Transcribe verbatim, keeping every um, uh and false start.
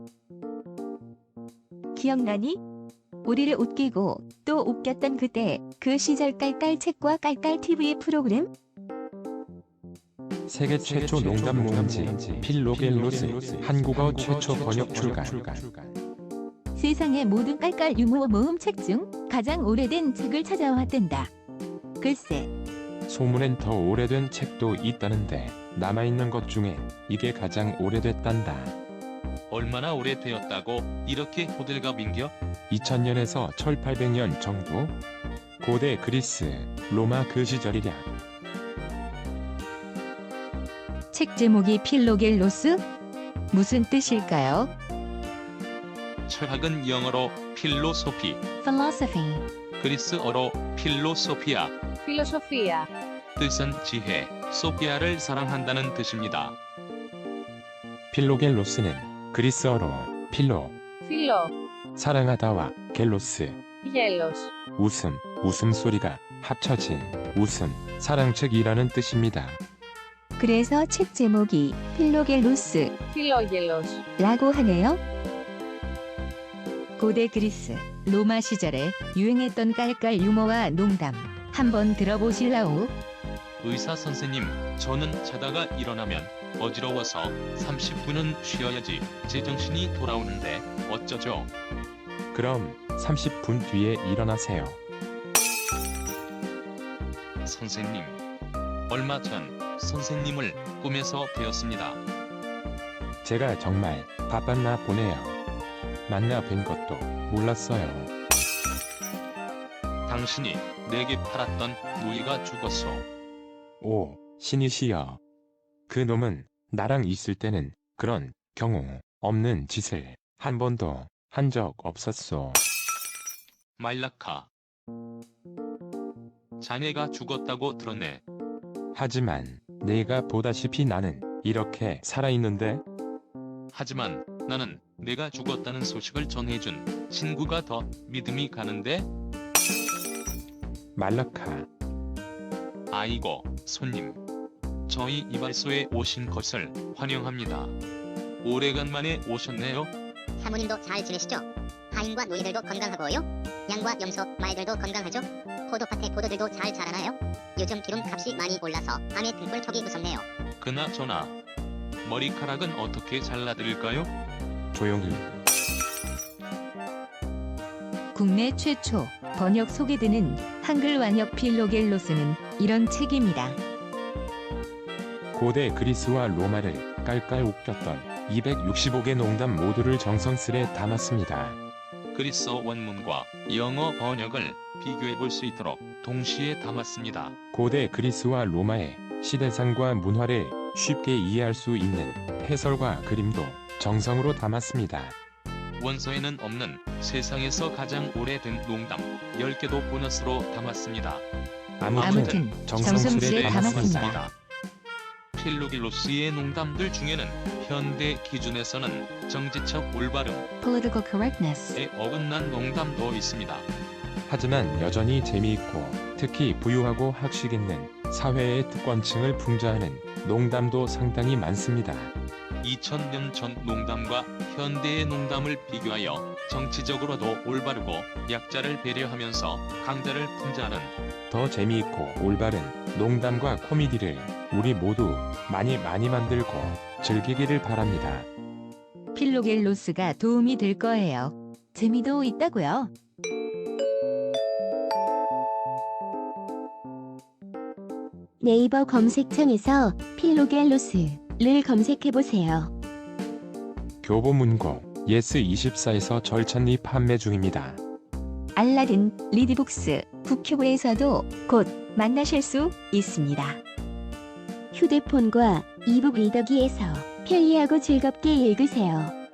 기억나니? 우리를 웃기고 또 웃겼던 그때 그 시절 깔깔 책과 깔깔 티비 프로그램? 세계 최초 농담 모음지 필로겔로스 한국어 최초 번역 출간. 세상의 모든 깔깔 유머 모음 책 중 가장 오래된 책을 찾아왔단다. 글쎄, 소문엔 더 오래된 책도 있다는데 남아있는 것 중엔 이게 가장 오래됐단다. 얼마나 오래되었다고 이렇게 호들갑인겨? 이천 년에서 천팔백 년 정도? 고대 그리스, 로마 그 시절이랴. 책 제목이 필로겔로스? 무슨 뜻일까요? 철학은 영어로 필로소피, Philosophy. 그리스어로 필로소피아, Filosofia. 뜻은 지혜, 소피아를 사랑한다는 뜻입니다. 필로겔로스는 그리스어로 필로, Philo. 사랑하다와 겔로스, Gelos. 웃음, 웃음소리가 합쳐진 웃음, 사랑책이라는 뜻입니다. 그래서 책 제목이 필로겔로스 Philogelos. 라고 하네요. 고대 그리스, 로마 시절에 유행했던 깔깔 유머와 농담 한번 들어보실라우? 의사 선생님, 저는 자다가 일어나면 어지러워서 삼십 분은 쉬어야지 제정신이 돌아오는데 어쩌죠? 그럼 삼십 분 뒤에 일어나세요. 선생님, 얼마 전 선생님을 꿈에서 뵈었습니다. 제가 정말 바빴나 보네요. 만나 뵌 것도 몰랐어요. 당신이 내게 팔았던 무늬가 죽었소. 오, 신이시여. 그 놈은 나랑 있을 때는 그런 경우 없는 짓을 한 번도 한 적 없었소. 말라카. 자네가 죽었다고 들었네. 하지만 내가 보다시피 나는 이렇게 살아있는데. 하지만 나는 내가 죽었다는 소식을 전해준 친구가 더 믿음이 가는데? 말라카. 아이고, 손님. 저희 이발소에 오신 것을 환영합니다. 오래간만에 오셨네요. 사모님도 잘 지내시죠? 하인과 노예들도 건강하고요? 양과 염소, 말들도 건강하죠? 포도밭에 포도들도 잘 자라나요? 요즘 기름 값이 많이 올라서 밤에 등불 켜기 무섭네요. 그나저나 머리카락은 어떻게 잘라드릴까요? 조용히. 국내 최초 번역 소개되는 한글 완역 필로겔로스는 이런 책입니다. 고대 그리스와 로마를 깔깔 웃겼던 이백육십오 개 농담 모두를 정성스레 담았습니다. 그리스어 원문과 영어 번역을 비교해 볼 수 있도록 동시에 담았습니다. 고대 그리스와 로마의 시대상과 문화를 쉽게 이해할 수 있는 해설과 그림도 정성으로 담았습니다. 원서에는 없는 세상에서 가장 오래된 농담 열 개도 보너스로 담았습니다. 아무튼, 아무튼 정성스레 정성스레 담았습니다. 담았습니다. 필로겔로스의 농담들 중에는 현대 기준에서는 정치적 올바름에 Political correctness. 어긋난 농담도 있습니다. 하지만 여전히 재미있고 특히 부유하고 학식 있는 사회의 특권층을 풍자하는 농담도 상당히 많습니다. 이천 년 전 농담과 현대의 농담을 비교하여 정치적으로도 올바르고 약자를 배려하면서 강자를 풍자하는 더 재미있고 올바른 농담과 코미디를 우리 모두 많이 많이 만들고 즐기기를 바랍니다. 필로겔로스가 도움이 될 거예요. 재미도 있다고요. 네이버 검색창에서 필로겔로스를 검색해보세요. 교보문고 예스 이십사에서 절찬리 판매 중입니다. 알라딘, 리디북스, 북큐브에서도 곧 만나실 수 있습니다. 휴대폰과 이북 리더기에서 편리하고 즐겁게 읽으세요.